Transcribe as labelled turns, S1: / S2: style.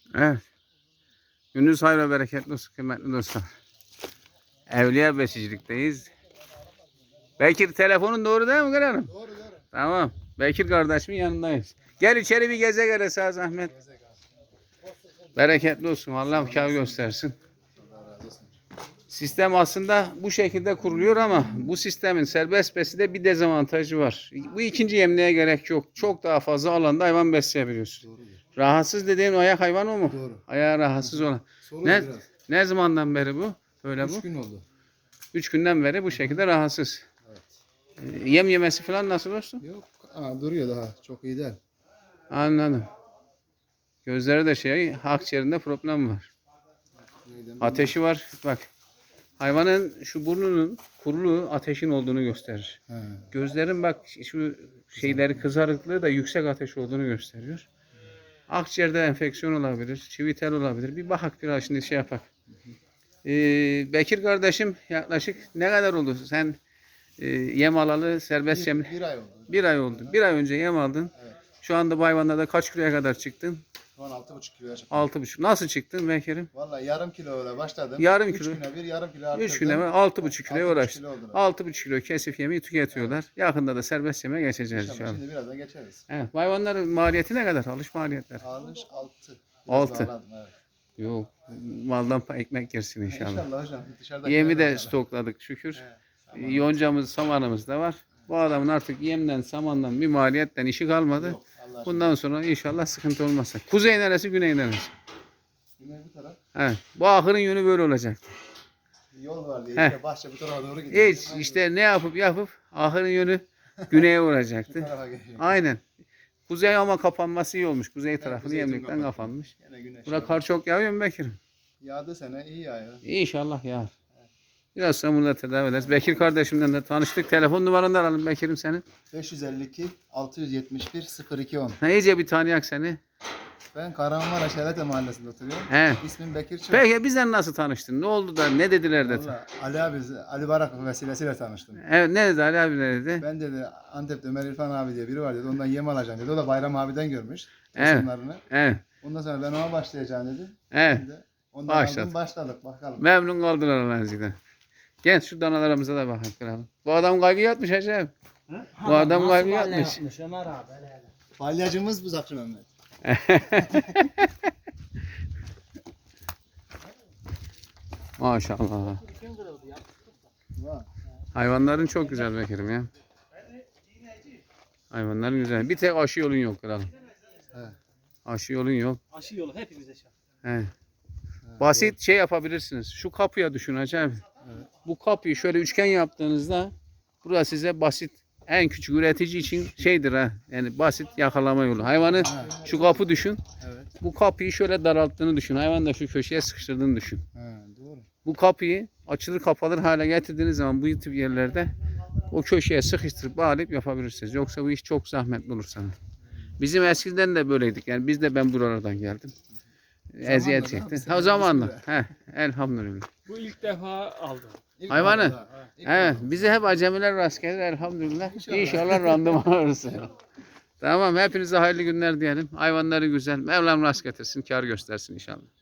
S1: Evet. Gününüz hayırlı ve bereketli olsun kıymetli dostlar. Evliya Besicilik'teyiz. Bekir telefonun doğru değil mi Kırarım?
S2: Doğru doğru.
S1: Tamam. Bekir kardeşimin yanındayız. Gel içeri bir geze gele sağ zahmet. Bereketli olsun. Allah kâr göstersin. Sistem aslında bu şekilde kuruluyor ama bu sistemin serbest beside bir dezavantajı var. Bu ikinci yemliğe gerek yok. Çok daha fazla alanda hayvan besleyebiliyorsun.
S2: Doğrudur.
S1: Rahatsız dediğin ayak hayvanı o mu?
S2: Doğru.
S1: Ayağı rahatsız olan.
S2: Sorun
S1: Ne,
S2: biraz.
S1: ne zamandan beri bu? Böyle
S2: 3
S1: bu.
S2: gün oldu.
S1: 3 günden beri bu şekilde rahatsız.
S2: Evet.
S1: Yem yemesi falan nasıl olsun?
S2: Yok. Duruyor daha. Çok iyi değil.
S1: Anladım. Gözleri de akciğerinde problem var. Ateşi var. Bak. Hayvanın şu burnunun kuruluğu ateşin olduğunu gösterir.
S2: He.
S1: Gözlerin bak şu şeyleri kızarıklığı da yüksek ateş olduğunu gösteriyor. Akciğerde enfeksiyon olabilir, çivitel olabilir. Bir bakak biraz şimdi şey yapak. Bekir kardeşim yaklaşık ne kadar oldu? Sen yem alalı serbest yem.
S2: Bir ay oldu.
S1: Bir ay oldu. Bir ay önce yem aldın.
S2: Evet.
S1: Şu anda bu hayvanlarda kaç kiloya kadar çıktın?
S2: Şu an 6,5 kiloya çıktım.
S1: 6,5. Nasıl çıktın Bekir'im?
S2: Vallahi yarım kilo öyle başladım.
S1: Yarım
S2: 3
S1: kilo.
S2: güne bir yarım kilo arttırdım.
S1: 3 güne 6,5 kiloya
S2: 6,5
S1: uğraştın.
S2: kilo oldu.
S1: 6,5 kilo kesif yemeği tüketiyorlar. Yakında da serbest yeme geçeceğiz
S2: İnşallah
S1: inşallah.
S2: şimdi birazdan geçeriz.
S1: Evet, bu hayvanların maliyeti ne kadar? Alış maliyetler.
S2: Alış 6.
S1: 6.
S2: Evet.
S1: Yok. Maldan ekmek yersin inşallah.
S2: İnşallah hocam. Dışarıda
S1: Yemi de stokladık şükür.
S2: Tamam.
S1: Yoncamız, samanımız da var. Bu adamın artık yemden, samandan bir maliyetten işi kalmadı.
S2: Yok, Allah
S1: Bundan sonra inşallah sıkıntı olmazsa. Kuzey neresi, güney neresi?
S2: Güney bu taraf.
S1: Evet. Bu ahırın yönü böyle olacak.
S2: Bir yol var diye.
S1: Heh.
S2: İşte bahçe bu tarafa doğru gidiyor.
S1: Hiç işte ne yapıp ahırın yönü güneye
S2: Bu
S1: vuracaktı.
S2: tarafa geliyor.
S1: Aynen. Kuzey ama kapanması iyi olmuş. Kuzey tarafını
S2: kuzey
S1: yemlikten
S2: kapanıyor.
S1: kapanmış.
S2: Yine güneş.
S1: Burada kar çok yağıyor mu Bekir'im?
S2: Yağdı sene iyi yağıyor.
S1: İnşallah yağar. Biraz sonra bunu da tedavi ederiz. Bekir kardeşimden de tanıştık. Telefon numaranı da alalım Bekir'im senin.
S2: 552 671 0210.
S1: Ha, iyice bir tanıyak seni.
S2: Ben Kahramanmaraş Helete Mahallesi'nde oturuyorum.
S1: He.
S2: İsmim Bekir Çöp.
S1: Peki bizden nasıl tanıştın? Ne oldu da ne dediler de?
S2: Vallahi Ali Barak vesilesiyle tanıştım.
S1: Evet ne dedi Ali abi ne dedi?
S2: Ben dedi Antep'te Ömer İrfan abi diye biri var dedi. Ondan yem alacağım dedi. O da Bayram abiden görmüş.
S1: Evet.
S2: Resimlerini.
S1: Evet.
S2: Ondan sonra ben ona başlayacağım dedi.
S1: Evet.
S2: Ben de ondan
S1: Başladık.
S2: aldım başladık bakalım.
S1: Memnun kaldılar Allah'ın Gel şu danalarımıza da bakalım kralım. Bu adam kaybı yatmış Hacı. Bu adam kaybı yatmış.
S3: Ömer abi hele hele.
S2: Balyacımız bu Zakri Mehmet.
S1: Maşallah.
S3: Kim kırıldı ya?
S2: Var.
S1: Hayvanların çok güzel Bekir'im ya. Hayvanların güzel. Bir tek aşı yolun yok kralım.
S2: Evet.
S1: Aşı yolun yok.
S3: Aşı yolu hepimize şart.
S1: He. Basit şey yapabilirsiniz. Şu kapıya düşün Hacı abi.
S2: Evet.
S1: Bu kapıyı şöyle üçgen yaptığınızda burası size basit en küçük üretici için şeydir ha. Yani basit yakalama yolu. Hayvanı şu kapı düşün.
S2: Evet.
S1: Bu kapıyı şöyle daralttığını düşün. Hayvanı da şu köşeye sıkıştırdığını düşün.
S2: Doğru.
S1: Bu kapıyı açılır kapalır hale getirdiğiniz zaman bu tip yerlerde o köşeye sıkıştırıp bağlayıp yapabilirsiniz. Yoksa bu iş çok zahmetli olur sana. Bizim eskiden de böyleydik. Yani biz de ben buralardan geldim. Eziyet çekti. O zamanla. He, elhamdülillah.
S3: Bu ilk defa aldım.
S2: İlk
S1: Hayvanı.
S2: aldı ha. İlk
S1: Evet,
S2: aldı.
S1: bize hep acemiler rast gelir elhamdülillah. İnşallah randıman alırız. Tamam, hepinize hayırlı günler diyelim. Hayvanları güzel. Mevlam rast getirsin, kar göstersin inşallah.